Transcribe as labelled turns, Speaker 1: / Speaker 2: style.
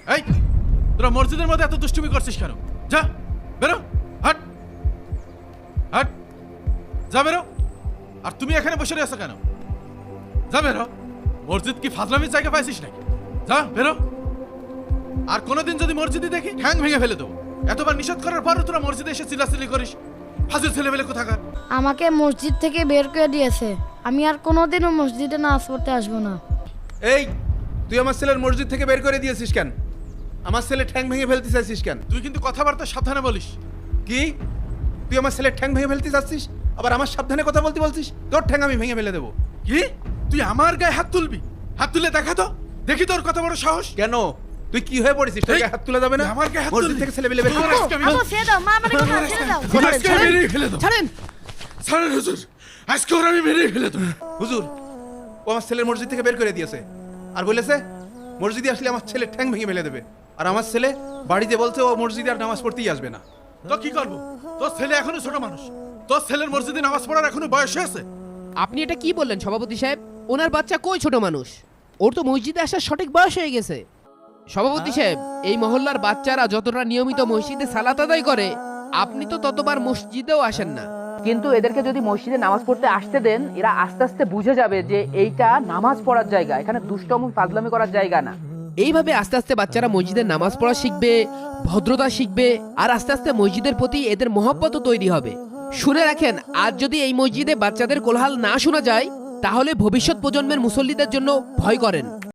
Speaker 1: এই তোরা মসজিদের মধ্যে এত দুষ্টুমি করছিস কেন? যা বেরো, হাট হাট, যা বেরো। আর তুমি এখানে বসে রয়েছো কেন? যা বেরো। মসজিদ কি ফাজলামির জায়গা পাইছিস নাকি? যা বেরো। আর কোনোদিন যদি মসজিদে দেখি ঠ্যাং ভেঙে ফেলে দেবো। এতবার নিষেধ করার পরও তোরা মসজিদে এসে চিল্লাচিল্লি করিস। ফাজিল ছেলেবেলে কোথাকার।
Speaker 2: আমাকে মসজিদ থেকে বের করে দিয়েছে, আমি আর কোনোদিনও মসজিদে নামাজ পড়তে আসবো না।
Speaker 3: এই তুই আমার ছেলের মসজিদ থেকে বের করে দিয়েছিস কেন? আমার ছেলে ঠ্যাং ভেঙে ফেলতে চাইছিস কেন?
Speaker 1: তুই কিন্তু কথাবার্তা সাবধানে বলিস।
Speaker 3: কি তুই আমার ছেলের ঠ্যাং ভেঙে ফেলতে চাচ্ছিস, আবার আমার সাবধানে কথা বলতে বলছিস? তোর ঠ্যাং আমি ভেঙে ফেলে দেবো।
Speaker 1: কি তুই আমার গায়ে হাত তুলবি? হাত তুলে দেখা তো, দেখি তোর কত বড় সাহস।
Speaker 3: কেন তুই কি হয়ে পড়েছিস? তোর
Speaker 1: এই,
Speaker 3: গায়ে হাত তুলে যাবে না?
Speaker 1: তুই আমার গায়ে হাত
Speaker 3: মসজিদ
Speaker 1: তুলবি?
Speaker 3: থেকে ছেলে বেলে বের করে।
Speaker 1: আজকে আমি-
Speaker 2: আব্বু ছেড়ে দাও, মা আমাকে ছেড়ে দাও।
Speaker 1: তোর আজকে আমি মেরেই ফেলে দেবো।
Speaker 4: ছাড়েন।
Speaker 1: ছাড়েন হুজুর, আজকে ওর আমি মেরেই ফেলে দেবো।
Speaker 3: হুজুর, ও আমার ছেলের মসজিদ থেকে বের করে দিয়েছে আর বলেছে মসজিদে আসলে আমার ছেলে ঠ্যাং ভেঙে ফেলে দেবে। আর আমার ছেলে বাড়িতে বলছে ও মসজিদে আর নামাজ পড়তেই আসবে না।
Speaker 1: তো কি করবো? তোর ছেলে এখনো ছোট মানুষ। তোর ছেলের মসজিদে নামাজ পড়ার এখনো বয়স হয়েছে।
Speaker 4: আপনি এটা কি বললেন সভাপতি সাহেব? ওনার বাচ্চা কই ছোট মানুষ? ওর তো মসজিদে আসার সঠিক বয়স হয়ে গেছে। সভাপতি সাহেব, এই মহল্লার বাচ্চারা যতটা নিয়মিত মসজিদে সালাত আদায় করে, আপনি তো ততবার মসজিদেও আসেন না।
Speaker 5: কিন্তু এদেরকে যদি মসজিদে নামাজ পড়তে আসতে দেন, এরা আস্তে আস্তে বুঝে যাবে যে এইটা নামাজ পড়ার জায়গা, এখানে দুষ্টমি ফাজলামি করার জায়গা না।
Speaker 4: এইভাবে আস্তে আস্তে বাচ্চারা মসজিদে নামাজ পড়া শিখবে, ভদ্রতা শিখবে, আর আস্তে আস্তে মসজিদের প্রতি এদের মহব্বতও তৈরি হবে। শুনে রাখেন, আজ যদি এই মসজিদে বাচ্চাদের কোলাহল না শোনা যায়, তাহলে ভবিষ্যৎ প্রজন্মের মুসল্লিদের জন্য ভয় করেন।